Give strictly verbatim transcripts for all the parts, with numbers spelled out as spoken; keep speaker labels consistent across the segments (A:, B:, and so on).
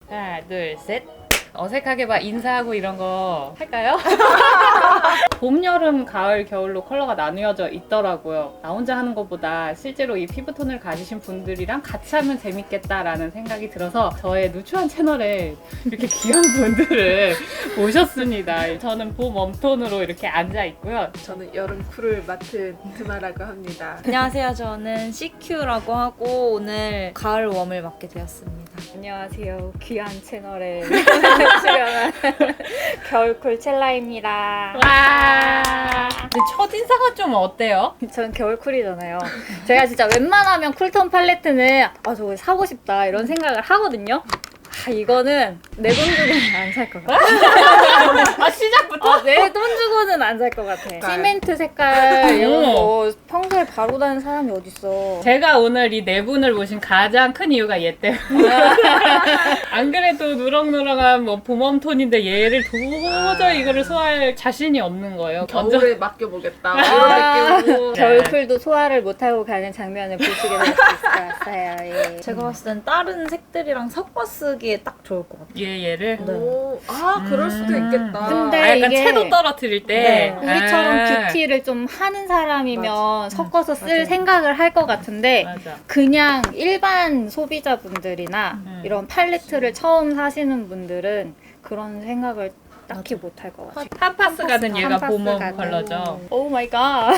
A: 하나, 둘, 셋. 어색하게 막 인사하고 이런 거 할까요? 봄, 여름, 가을, 겨울로 컬러가 나뉘어져 있더라고요. 나 혼자 하는 것보다 실제로 이 피부톤을 가지신 분들이랑 같이 하면 재밌겠다라는 생각이 들어서 저의 누추한 채널에 이렇게 귀한 분들을 모셨습니다. 저는 봄 웜톤으로 이렇게 앉아 있고요.
B: 저는 여름 쿨을 맡은 드마라고 합니다.
C: 안녕하세요. 저는 씨큐라고 하고 오늘 가을 웜을 맡게 되었습니다.
D: 안녕하세요. 귀한 채널에 출연한 겨울쿨 첼라입니다.
A: 와. 근데 첫인상은 좀 어때요?
D: 저는 겨울쿨이잖아요. 제가 진짜 웬만하면 쿨톤 팔레트는 아 저거 사고 싶다 이런 생각을 하거든요. 아 이거는 내 돈 주고는 안 살 것 같아.
A: 아 시작부터?
D: 아, 내 돈 주고는 안 살 것 같아. 시멘트 색깔 이런 거 평소에 바르고 다니는 사람이 어딨어.
A: 제가 오늘 이 네 분을 모신 가장 큰 이유가 얘 때문에. 안 그래도 누렁누렁한 뭐 봄웜톤인데 얘를 도저히 이거를 소화할 자신이 없는 거예요.
B: 겨울에 맡겨보겠다.
D: 아,
B: 이런 느낌으로.
D: 겨울쿨도 소화를 못하고 가는 장면을 보시게 될 수 있을 것 같아요. 예.
C: 제가 봤을 땐 다른 색들이랑 섞어 쓰기에 딱 좋을 것 같아요.
A: 얘 얘를.
B: 오, 아 그럴 수도
A: 음.
B: 있겠다.
D: 근데
A: 아, 약간
D: 이게-
A: 채도 떨어뜨릴 때.
C: 네.
D: 우리처럼
A: 아.
D: 뷰티를 좀 하는 사람이면
B: 맞아.
D: 섞어서 쓸
C: 맞아요.
D: 생각을 할 것 같은데
A: 맞아.
D: 그냥 일반 소비자분들이나
A: 음.
D: 이런 팔레트를 처음 사시는 분들은 그런 생각을 딱히 못 할 것 같아요.
A: 팜파스 가든 얘가
D: 팜파스
A: 봄웜
D: 가든.
A: 컬러죠.
D: 오 마이 갓. 아,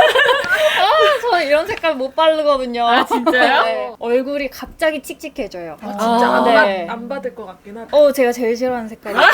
D: 저 이런 색깔 못 바르거든요.
A: 아, 진짜요?
D: 네. 얼굴이 갑자기 칙칙해져요.
B: 아, 진짜
A: 아,
B: 안,
D: 네.
B: 받, 안 받을 것 같긴 하다.
D: 어, 제가 제일 싫어하는 색깔이에요.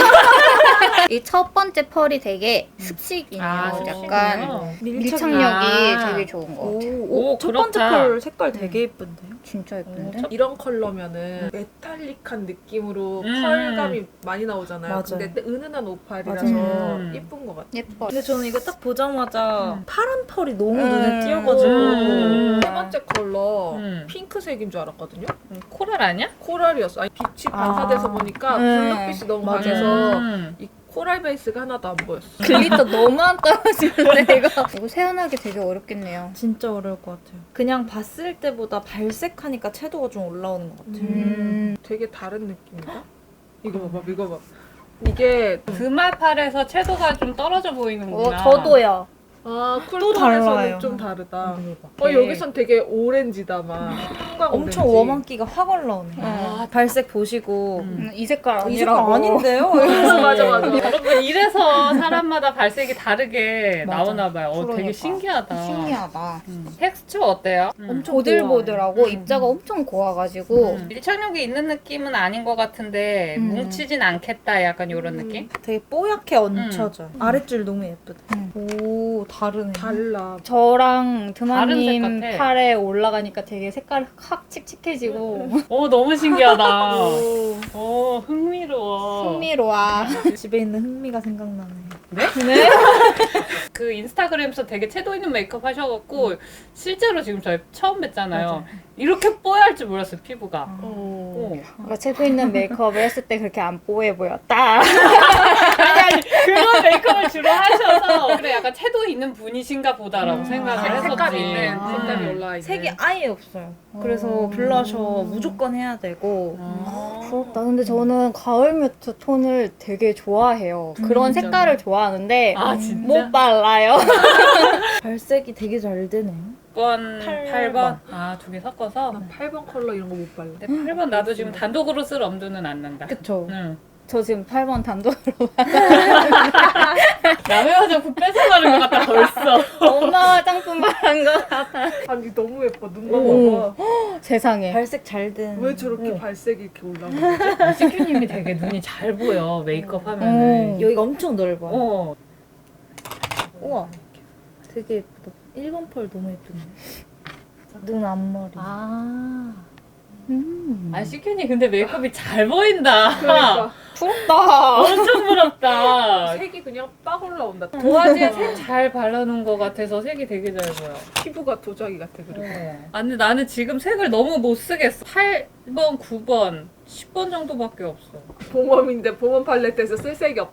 D: 이 첫 번째 펄이 되게 습식이네요.
A: 아,
D: 약간
A: 습식이요?
D: 밀착력이
A: 아.
D: 되게 좋은 것
C: 오,
D: 같아요.
A: 오,
C: 오, 첫 번째
A: 그렇다.
C: 펄 색깔 되게 예쁜데요?
D: 진짜 예쁜데?
B: 이런 컬러면은 메탈릭한 느낌으로
A: 음.
B: 펄감이 많이 나오잖아요.
C: 맞아요.
B: 근데 은은한 오팔이라서
A: 맞아요.
B: 예쁜 것 같아요.
D: 예뻐.
C: 근데 저는 이거 딱 보자마자
A: 음.
C: 파란 펄이 너무
D: 음.
C: 눈에 띄어가지고
A: 음.
B: 세 번째 컬러
A: 음.
B: 핑크색인 줄 알았거든요.
A: 코랄 아니야?
B: 코랄이었어. 아니 빛이 반사돼서
C: 아.
B: 보니까
D: 음.
B: 블루빛이 너무
C: 맞아요.
B: 강해서
A: 음.
B: 이 코랄 베이스가 하나도 안 보였어.
D: 글리터 너무 안 떨어지는데 이거 이거 세안하기 되게 어렵겠네요.
C: 진짜 어려울 것 같아요. 그냥 봤을 때보다 발색하니까 채도가 좀 올라오는 것 같아요.
D: 음.
B: 되게 다른 느낌이다. 이거 봐봐, 이거 봐. 이게
A: 드마팔에서 채도가 좀 떨어져
D: 어,
A: 보이는구나.
D: 저도요.
B: 아
C: 또 달라요.
B: 쿨톤에서는 좀 다르다. 어
A: 오케이.
B: 여기선 되게 오렌지다 막. 형광
C: 엄청
B: 오렌지.
C: 웜한기가 확 올라오네요.
D: 아,
C: 발색 보시고
A: 음.
D: 음, 이 색깔
C: 어, 이 색깔
D: 아니라고.
C: 아닌데요?
B: 어, 맞아 맞아.
A: 여러분 이래서 사람마다 발색이 다르게
C: 맞아.
A: 나오나 봐요. 어, 되게
D: 그러니까.
A: 신기하다.
D: 신기하다.
A: 음. 텍스처 어때요? 음.
D: 엄청 보들보들하고
C: 음.
D: 입자가 엄청 고와가지고
A: 음. 밀착력이 있는 느낌은 아닌 것 같은데
D: 음.
A: 뭉치진 않겠다 약간 이런
B: 음.
A: 느낌?
C: 되게 뽀얗게 얹혀져요. 아랫줄 너무 예쁘다.
D: 음.
C: 오, 다르네.
B: 달라.
D: 저랑
A: 다른
D: 드마님
A: 색 같아.
D: 팔에 올라가니까 되게 색깔 확 칙칙해지고
A: 오 너무 신기하다.
B: 오.
A: 오 흥미로워.
D: 흥미로워.
C: 집에 있는 흥미가 생각나네요.
A: 네?
D: 네?
A: 그 인스타그램에서 되게 채도 있는 메이크업 하셔갖고 실제로 지금 저희 처음 뵀잖아요.
C: 맞아요.
A: 이렇게 뽀얄 줄 몰랐어요 피부가.
C: 어.
A: 오.
D: 뭔가 채도 있는 메이크업을 했을 때 그렇게 안 뽀해 보였다.
A: 아니 아니 그런 메이크업을 주로 하셔서 그래 약간 채도 있는 분이신가 보다라고
C: 음.
A: 생각을
C: 아,
A: 했었지.
B: 색깔 있는
C: 아.
B: 색깔이 올라와 있는.
C: 색이 아예 없어요. 그래서
D: 어.
C: 블러셔 무조건 해야 되고
A: 아.
D: 부럽다. 근데 저는 가을 뮤트 톤을 되게 좋아해요. 그런
B: 진짜요?
D: 색깔을 좋아하는데
A: 아 진짜?
D: 못 발라요.
C: 발색이 되게 잘 되네요.
A: 육 번,
C: 팔
A: 팔 번? 아, 두 개 섞어서?
B: 나 팔 번 컬러 이런 거 못 발라.
A: 근데 팔 번 나도 지금 단독으로 쓸 엄두는 안 난다.
D: 그쵸.
A: 응.
D: 저 지금 팔 번 단독으로
A: 남의 화장품 뺏어가는 것 같다, 벌써.
D: 엄마 화장품 바른 것 같아.
B: 아니 너무 예뻐. 눈만
D: 오.
B: 봐봐.
D: 세상에.
C: 발색 잘 된.
B: 왜 저렇게
C: 어.
B: 발색이 이렇게 올라오는 거지?
A: 시큐님이 되게 눈이 잘 보여, 메이크업 하면은.
D: 음.
C: 여기가 엄청 넓어요.
A: 어.
C: 우와. 되게 예쁘다. 일 번 펄 너무 예쁘네. 눈 앞머리.
A: 아.
D: 음.
A: 아, 시큐님 근데 메이크업이 잘 보인다.
B: 그러니까
D: 부럽다.
A: 엄청 부럽다.
B: 색이 그냥 빡 올라온다.
A: 도화지에 색 잘 발라놓은 것 같아서 색이 되게 잘 보여.
B: 피부가 도자기 같아 그리고.
A: 아, 근데 나는 지금 색을 너무 못 쓰겠어. 팔 번, 구 번, 십 번 정도밖에 없어.
B: 봄웜인데 봄웜 팔레트에서 쓸 색이 없다.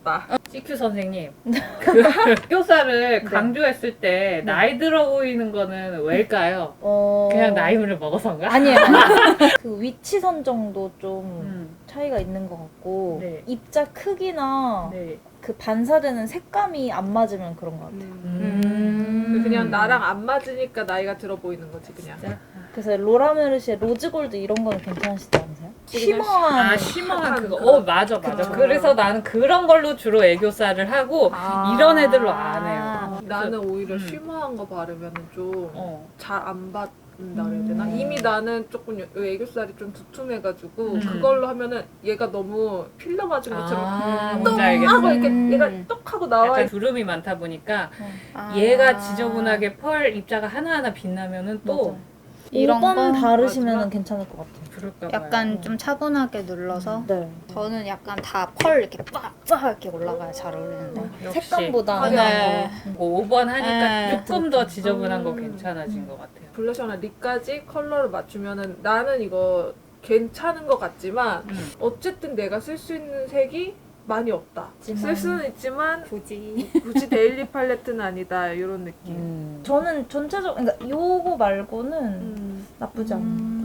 A: 씨큐 선생님, 그 애교살을 강조했을 때 나이 들어 보이는 거는 왜일까요?
C: 어...
A: 그냥 나이를 먹어서인가?
C: 아니에요. 그 위치 선정도 좀
A: 음.
C: 차이가 있는 것 같고
A: 네.
C: 입자 크기나
A: 네.
C: 그 반사되는 색감이 안 맞으면 그런 것 같아요.
A: 음.
B: 그냥 나랑 안 맞으니까 나이가 들어 보이는 거지 그냥.
A: 진짜?
C: 그래서 로라 메르시의 로즈골드 이런 거는 괜찮으시지 않으세요? 쉬머한
A: 아 심한 그거.
B: 그거.
A: 어 맞아 맞아.
B: 그쵸.
A: 그래서 나는 그런 걸로 주로 애교살을 하고
C: 아.
A: 이런 애들로 안 해요.
B: 어, 나는 오히려
A: 음.
B: 쉬머한 거 바르면 좀 잘 안
A: 어.
B: 받는다 그래야 되나?
C: 음.
B: 이미 나는 조금 여- 애교살이 좀 두툼해가지고
A: 음.
B: 그걸로 하면은 얘가 너무 필러 맞은 것처럼
A: 아,
B: 똑
A: 뭔지 알겠어.
B: 하고 이렇게
D: 음.
B: 얘가 똑 하고 나와
A: 약간
B: 있
A: 주름이 많다 보니까
D: 아.
A: 얘가 지저분하게 펄 입자가 하나하나 빛나면은 또
C: 맞아요.
D: 이런
C: 오 번
D: 거?
C: 바르시면
B: 맞아.
C: 괜찮을 것 같아요.
A: 그럴까 봐요.
D: 약간 좀 차분하게 눌러서
C: 네.
D: 저는 약간 다 펄 이렇게 빡빡 이렇게 올라가야 잘 어울리는데
A: 역시.
C: 색감보다
B: 네.
C: 네.
A: 뭐 오 번 하니까
D: 네.
A: 조금 더 지저분한 거
B: 음.
A: 괜찮아진 것 같아요.
B: 블러셔나 립까지 컬러를 맞추면은 나는 이거 괜찮은 것 같지만
A: 음.
B: 어쨌든 내가 쓸 수 있는 색이 많이 없다.
C: 있지만.
B: 쓸 수는 있지만
D: 굳이
B: 굳이 데일리 팔레트는 아니다 이런 느낌.
A: 음.
C: 저는 전체적 그러니까 요거 말고는
B: 음.
C: 나쁘지 않아요.
D: 음.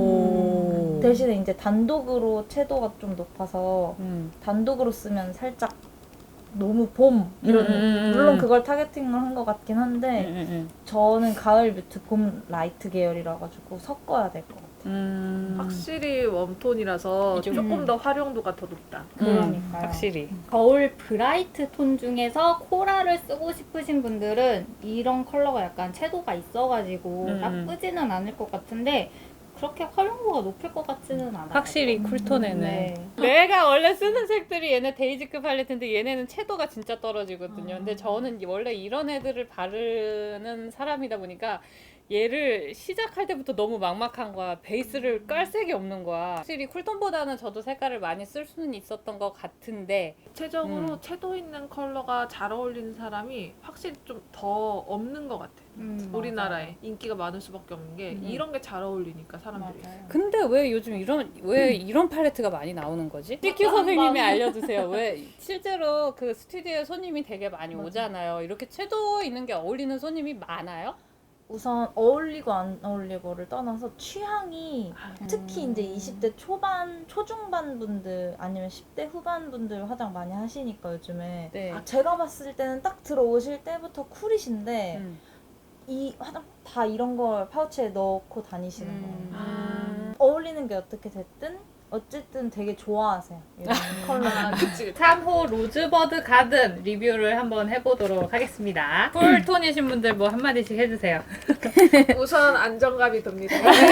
A: 오.
C: 대신에 이제 단독으로 채도가 좀 높아서
A: 음.
C: 단독으로 쓰면 살짝 너무 봄 이런
A: 음, 음, 음.
C: 물론 그걸 타겟팅을 한 것 같긴
A: 음,
C: 한데
A: 음,
C: 저는 가을 뮤트 봄 라이트 계열이라 가지고 섞어야 될 것 같아요.
A: 음.
B: 확실히 웜톤이라서
A: 이좀-
B: 조금
D: 음.
B: 더 활용도가 더 높다.
A: 음,
C: 그러니까요.
A: 확실히.
D: 겨울 브라이트 톤 중에서 코랄을 쓰고 싶으신 분들은 이런 컬러가 약간 채도가 있어가지고
A: 음.
D: 나쁘지는 않을 것 같은데 그렇게 활용도가 높을 것 같지는 않아요.
A: 확실히 쿨톤에는.
D: 네.
A: 내가 원래 쓰는 색들이 얘네 데이지급 팔레트인데 얘네는 채도가 진짜 떨어지거든요.
C: 아.
A: 근데 저는 원래 이런 애들을 바르는 사람이다 보니까 얘를 시작할 때부터 너무 막막한 거야. 베이스를 깔 색이 없는 거야. 확실히 쿨톤보다는 저도 색깔을 많이 쓸 수는 있었던 것 같은데
B: 구체적으로
A: 음.
B: 채도 있는 컬러가 잘 어울리는 사람이 확실히 좀 더 없는 것 같아.
D: 음,
B: 우리나라에 인기가 많을 수밖에 없는 게
A: 음.
B: 이런 게 잘 어울리니까 사람들이.
D: 맞아요.
A: 근데 왜 요즘 이런 왜 이런 팔레트가 많이 나오는 거지? 씨큐 선생님이 알려주세요. 왜 실제로 그 스튜디오에 손님이 되게 많이
C: 맞아.
A: 오잖아요. 이렇게 채도 있는 게 어울리는 손님이 많아요?
C: 우선 어울리고 안 어울리고를 떠나서 취향이 특히 이제 이십 대 초반, 초중반 분들 아니면 십 대 후반 분들 화장 많이 하시니까 요즘에
A: 네.
C: 아, 제가 봤을 때는 딱 들어오실 때부터 쿨이신데
A: 음.
C: 이 화장 다 이런 걸 파우치에 넣고 다니시는
D: 음.
C: 거예요.
A: 음.
C: 어울리는 게 어떻게 됐든 어쨌든 되게 좋아하세요. 이런 컬러.
B: 아, 그치.
A: 삼 호 로즈버드 가든 리뷰를 한번 해보도록 하겠습니다. 쿨톤이신 분들 뭐 한마디씩 해주세요.
B: 우선 안정감이 듭니다.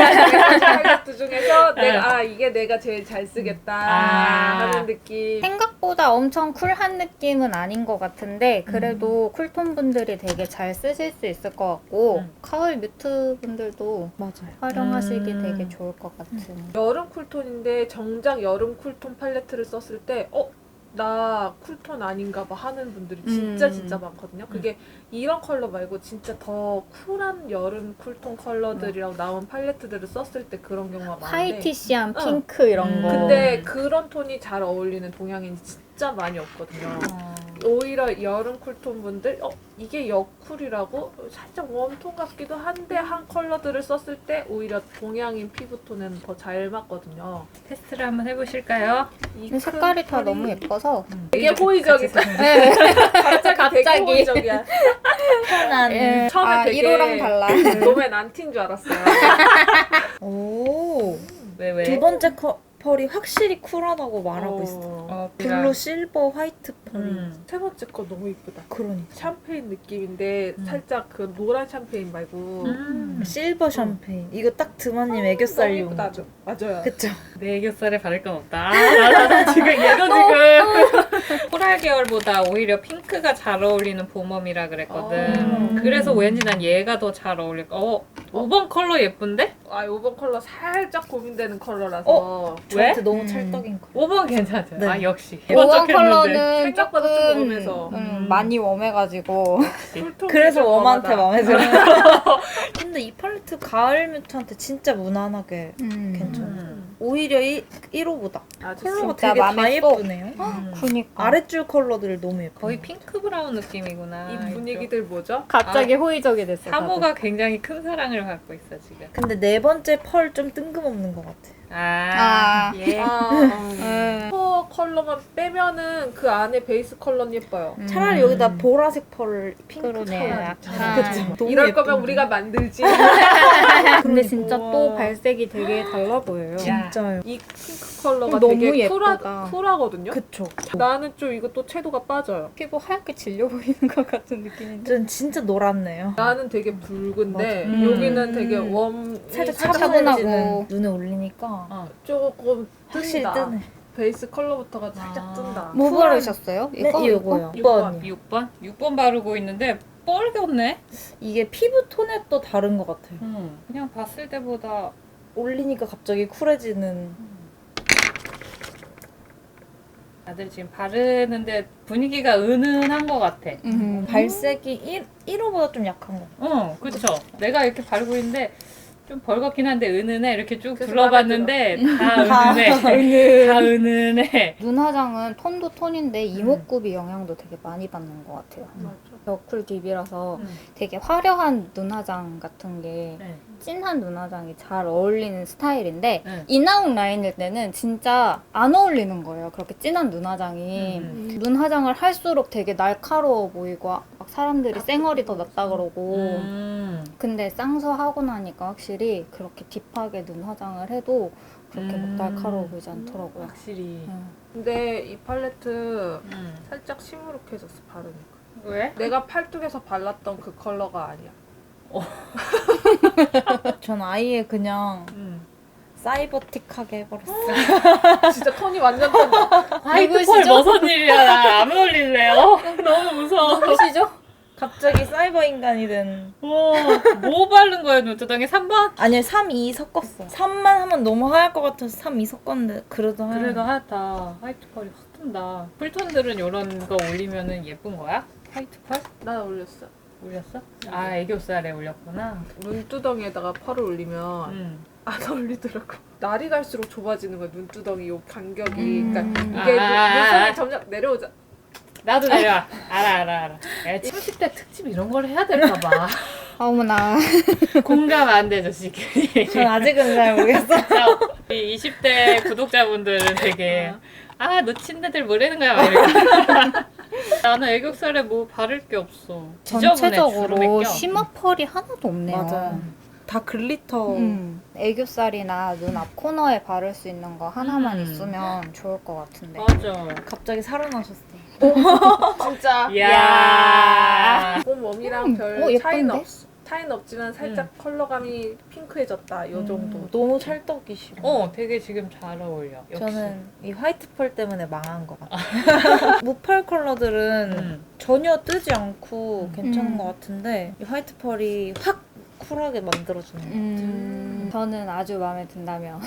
B: 팔레트 중에서 내가 아 이게 내가 제일 잘 쓰겠다
A: 아.
B: 하는 느낌.
D: 생각보다 엄청 쿨한 느낌은 아닌 것 같은데 그래도 쿨톤 분들이 되게 잘 쓰실 수 있을 것 같고
A: 음.
D: 가을 뮤트 분들도
C: 맞아요.
D: 활용하시기
A: 음.
D: 되게 좋을 것 같은.
B: 여름 쿨톤인데 정작 여름 쿨톤 팔레트를 썼을 때 어? 나 쿨톤 아닌가 봐 하는 분들이 진짜
D: 음.
B: 진짜 많거든요. 그게 이런 컬러 말고 진짜 더 쿨한 여름 쿨톤 컬러들이랑 나온 팔레트들을 썼을 때 그런 경우가 많은데
D: 화이티시한
B: 어.
D: 핑크 이런
A: 음.
D: 거.
B: 근데 그런 톤이 잘 어울리는 동양인이 진짜 많이 없거든요.
C: 어.
B: 오히려 여름 쿨톤 분들 어 이게 여쿨이라고 살짝 웜톤 같기도 한데 한 컬러들을 썼을 때 오히려 동양인 피부톤에는 더 잘 맞거든요.
A: 테스트를 한번 해보실까요?
B: 이
D: 근데 색깔이
B: 큰
D: 다
B: 털이
D: 너무 예뻐서
B: 되게 호의적이다.
D: 네.
B: 갑자기 되게 호의적이야.
C: 편한.
D: 예.
B: 처음에
D: 아,
B: 되게
D: 이로랑 달라.
B: 놈의 난티인 줄 알았어요.
C: 오.
A: 왜 왜?
C: 두 번째 커, 펄이 확실히 쿨하다고 말하고
B: 어.
C: 있어.
A: 어,
C: 블루, 실버, 화이트 펄이.
A: 음.
B: 세 번째 거 너무 이쁘다.
C: 그러니까.
B: 샴페인 느낌인데
A: 음.
B: 살짝 그 노란 샴페인 말고
A: 음.
C: 실버 샴페인. 이거 딱 드마님
B: 너무
C: 애교살용.
B: 이쁘다. 맞아요.
C: 그쵸?
A: 내 애교살에 바를 건 없다. 아, 나, 나 지금 얘도 지금 코랄 계열보다 오히려 핑크가 잘 어울리는 봄웜이라 그랬거든.
B: 아.
A: 그래서 왠지 난 얘가 더 잘 어울릴 거. 어, 오 번 컬러 예쁜데?
B: 아 오 번 컬러 살짝 고민되는 컬러라서.
C: 어?
B: 왜?
C: 저한테 너무
D: 음.
C: 찰떡인 거.
A: 오 번 괜찮죠?
C: 네.
A: 아 역시.
D: 오 번
A: 번쩍했는데.
D: 컬러는
B: 생각보다 좀
D: 조금
B: 웜해서.
D: 음,
A: 음.
D: 많이 웜해가지고
B: 쿨톤
C: 그래서
B: 좀
C: 웜한테
B: 웜하다.
C: 마음에 들어요. 근데 이 팔레트 가을 뮤트한테 진짜 무난하게
D: 음.
C: 괜찮아요.
B: 음.
C: 오히려 이, 일 호보다
B: 아주
C: 컬러가
D: 진짜
C: 되게 다
D: 맘에 쏙.
C: 예쁘네요.
A: 음.
D: 그니까
C: 아랫줄 컬러들이 너무 예뻐요.
A: 거의 핑크 브라운 느낌이구나.
B: 이 분위기들 뭐죠?
D: 갑자기 호의적이 됐어.
A: 사모가 굉장히 큰 사랑을 받고 있어 지금.
C: 근데 네 번째 펄 좀 뜬금없는 것 같아.
A: 아,
D: 아.
A: 예.
B: 아,
D: 음.
B: 슈퍼 컬러만 빼면은 그 안에 베이스 컬러는 예뻐요.
D: 음.
C: 차라리 여기다 보라색 펄, 핑크
D: 그러네,
C: 컬러
D: 약간.
C: 그치? 너무
B: 이럴
C: 예쁜데.
B: 거면 우리가 만들지.
D: 근데 진짜
B: 우와.
D: 또 발색이 되게 달라 보여요.
C: 진짜요.
B: 이 핑크 컬러가
D: 너무
B: 되게
D: 예쁘다.
B: 쿨하, 쿨하거든요.
C: 그쵸.
B: 나는 좀 이거 또 채도가 빠져요.
D: 피부 하얗게 질려 보이는 것 같은 느낌인데.
C: 전 진짜 노랗네요.
B: 나는 되게 붉은데
A: 맞아.
B: 여기는
C: 음.
B: 되게 웜
C: 살짝
B: 살짝
D: 차분하고.
C: 차분해지는 눈에 올리니까
A: 어.
B: 조금
C: 확실히
B: 뜬다.
C: 뜨네.
B: 베이스 컬러부터가 살짝
A: 아.
B: 뜬다.
D: 뭐
C: 쿨한-
D: 바르셨어요?
C: 네,
D: 이거?
C: 이거요.
B: 육 번.
C: 육 번.
A: 육 번? 육 번 바르고 있는데 뻘겋네?
C: 이게 피부 톤에 또 다른 것 같아요.
A: 음, 그냥 봤을 때보다
C: 올리니까 갑자기 쿨해지는.
A: 다들 지금 바르는데 분위기가 은은한 것 같아.
D: 음.
C: 발색이 일, 일 호보다 좀 약한 거.
A: 어, 그쵸. 내가 이렇게 바르고 있는데 좀 벌겋긴 한데 은은해. 이렇게 쭉
B: 그래서
A: 둘러봤는데 다
C: 다
A: 은은해. 다 은은해.
D: 눈 화장은 톤도 톤인데 이목구비 영향도 되게 많이 받는 것 같아요.
B: 맞아.
D: 여쿨 딥이라서
A: 음.
D: 되게 화려한 눈 화장 같은 게
A: 네.
D: 진한 눈 화장이 잘 어울리는 스타일인데
A: 네.
D: 이나욱 라인일 때는 진짜 안 어울리는 거예요. 그렇게 진한 눈 화장이.
A: 음.
D: 눈 화장을 할수록 되게 날카로워 보이고 막 사람들이 쌩얼이 더 낫다 그러고
A: 음.
D: 근데 쌍수 하고 나니까 확실히 그렇게 딥하게 눈 화장을 해도 그렇게
A: 음.
D: 막 날카로워 보이지 않더라고요.
A: 확실히.
D: 음.
B: 근데 이 팔레트
A: 음.
B: 살짝 시무룩해졌어 바르니까.
A: 왜?
B: 내가 팔뚝에서 발랐던 그 컬러가 아니야.
C: 전 아예 그냥
A: 음.
C: 사이버틱하게 해버렸어요.
B: 진짜 톤이 완전 뜬다.
A: 화이트 펄 무슨 일이야? 나 안 어울릴래요? 너무 무서워.
D: 보시죠?
C: 갑자기 사이버 인간이 된.
A: 와, 뭐 바른 거야, 눈두덩이? 삼 번?
C: 아니 삼, 이 섞었어. 삼만 하면 너무 하얄 것 같아서 삼, 이 섞었는데 그래도 하얀.
A: 그래도 하얗다. 화이트 펄이 확 뜬다. 쿨톤들은 이런 거 올리면은 예쁜 거야? 화이트 펄?
B: 나 올렸어.
A: 올렸어? 아, 애교살에 올렸구나.
B: 눈두덩이에다가 펄을 올리면
A: 음.
B: 안 어울리더라고. 날이 갈수록 좁아지는 거야 눈두덩이 요 간격이.
D: 음.
B: 그러니까 이게
A: 아, 아, 아.
B: 눈썹이 점점 내려오자.
A: 나도 내려와. 알아, 알아, 알아. 야, 삼십 대 특집 이런 걸 해야 될까봐.
D: 어머나.
A: 공감 안 되죠, 지금.
C: 전 아직은 잘 모르겠어.
A: 이 이십 대 구독자분들은 되게 아, 너 친데들 뭐라는 거야? 막 이러고. 나는 애교살에 뭐 바를 게 없어. 지저분해, 주름에
D: 전체적으로
A: 껴.
D: 심화 펄이 하나도 없네요.
C: 맞아요. 다 글리터.
D: 음, 애교살이나 눈 앞 코너에 바를 수 있는 거 하나만
A: 음.
D: 있으면 좋을 것 같은데.
A: 맞아.
C: 갑자기 살아나셨어.
B: 진짜.
A: 이야.
B: 봄웜이랑
D: 음,
B: 별
D: 어,
B: 차이는
D: 예쁜데?
B: 없어. 차이는 없지만 살짝 컬러감이 핑크해졌다. 요 정도.
C: 음, 너무 찰떡이시고.
A: 어, 되게 지금 잘 어울려. 역시.
C: 저는 이 화이트 펄 때문에 망한 것 같아요. 무펄 컬러들은
A: 음.
C: 전혀 뜨지 않고 괜찮은
D: 음.
C: 것 같은데 이 화이트 펄이 확 쿨하게 만들어주네요.
D: 음, 저는 아주 마음에 든다며.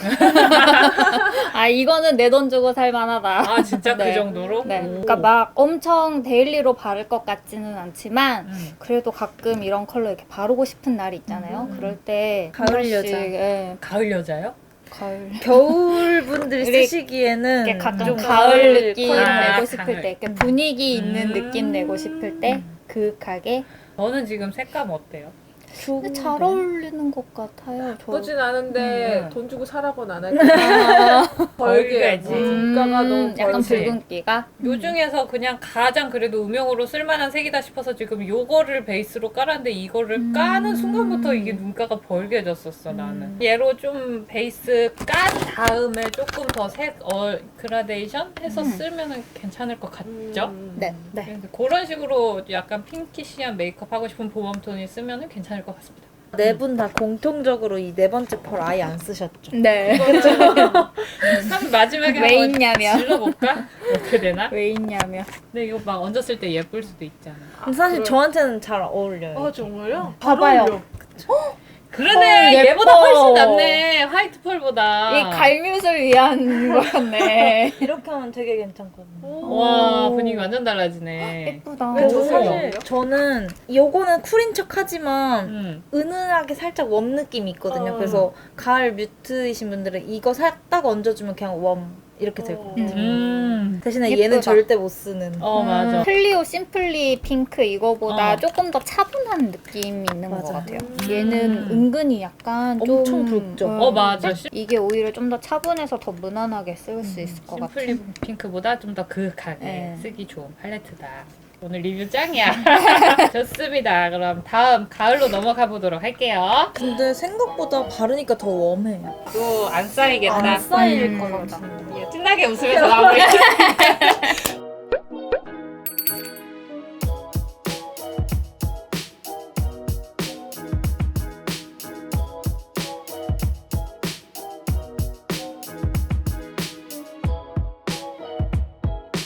D: 아, 이거는 내 돈 주고 살만하다.
A: 아, 진짜
D: 네.
A: 그 정도로?
D: 네.
A: 오.
D: 그러니까 막 엄청 데일리로 바를 것 같지는 않지만
A: 음.
D: 그래도 가끔 이런 컬러 이렇게 바르고 싶은 날이 있잖아요.
B: 음.
D: 그럴 때
C: 가을
D: 한 번씩,
C: 여자.
D: 예,
A: 가을 여자요?
D: 가을.
C: 겨울 분들이
D: 이렇게
C: 쓰시기에는
D: 이렇게 가끔
C: 좀
D: 가을 느낌
A: 컬러.
D: 내고
A: 아,
D: 싶을
A: 가을.
D: 때, 이렇게 분위기 있는
A: 음.
D: 느낌 내고 싶을 때 그윽하게
A: 저는 지금 색감 어때요?
D: 근데 잘 어울리는 것 같아요. 저.
B: 나쁘진 않은데
A: 음.
B: 돈 주고 사라고는 안 할 거야. 벌게.
A: 벌게지.
B: 눈가가 너무
D: 음, 약간
A: 벌게.
D: 붉은기가.
A: 요 중에서 그냥 가장 그래도 음영으로 쓸만한 색이다 싶어서 지금 요거를 베이스로 깔았는데 이거를
D: 음.
A: 까는 순간부터 이게 눈가가 벌게졌었어 나는.
C: 음.
A: 얘로 좀 베이스 깐 다음에 조금 더 색 어, 그라데이션 해서
D: 음.
A: 쓰면은 괜찮을 것 같죠?
B: 음.
D: 네, 네.
A: 그래서 그런 식으로 약간 핑키시한 메이크업 하고 싶은 봄웜톤이 쓰면은 괜찮을 것 같습니다.
C: 네 분 다 공통적으로 이 네 번째 펄 아예 안 쓰셨죠?
D: 네.
A: 한 마지막에
D: 왜
A: 한번
D: 있냐면.
A: 질러볼까? 어떻게 되나?
D: 왜 있냐면.
A: 근데 이거 막 얹었을 때 예쁠 수도 있잖아.
C: 근데 사실
B: 그래.
C: 저한테는 잘 어울려요.
B: 아 정말요?
C: 봐봐요.
B: 잘 어울려.
A: 그러네.
D: 어, 예뻐.
A: 얘보다 훨씬 낫네. 화이트 펄보다.
D: 이 갈뮤슬 위한 거였네.
C: 이렇게 하면 되게 괜찮거든요.
A: 와 분위기 완전 달라지네.
D: 예쁘다.
B: 왜 저
A: 오.
B: 사실
C: 저는 요거는 쿨인 척 하지만
A: 음.
C: 은은하게 살짝 웜 느낌이 있거든요.
B: 어.
C: 그래서 가을 뮤트이신 분들은 이거 살 딱 얹어주면 그냥 웜 이렇게 될 것 같아요.
A: 음.
C: 대신에
D: 예쁘다.
C: 얘는 절대 못 쓰는.
A: 어 맞아.
D: 클리오 심플리 핑크 이거보다
A: 어.
D: 조금 더 차분한 느낌이 있는 것
C: 맞아.
D: 같아요.
A: 음.
D: 얘는 은근히 약간
C: 엄청
D: 좀
C: 붉죠?
A: 어 맞아.
D: 이게 오히려 좀 더 차분해서 더 무난하게 쓸 수 있을 것 같아요.
A: 심플리 핑크보다 좀 더 그윽하게
D: 네.
A: 쓰기 좋은 팔레트다. 오늘 리뷰 짱이야. 좋습니다. 그럼 다음 가을로 넘어가 보도록 할게요.
C: 근데 생각보다 바르니까 더 웜해요.
A: 또 안 쌓이겠다.
C: 안 쌓일
D: 음.
C: 것 같은데.
A: 예, 신나게 웃으면서 마무리.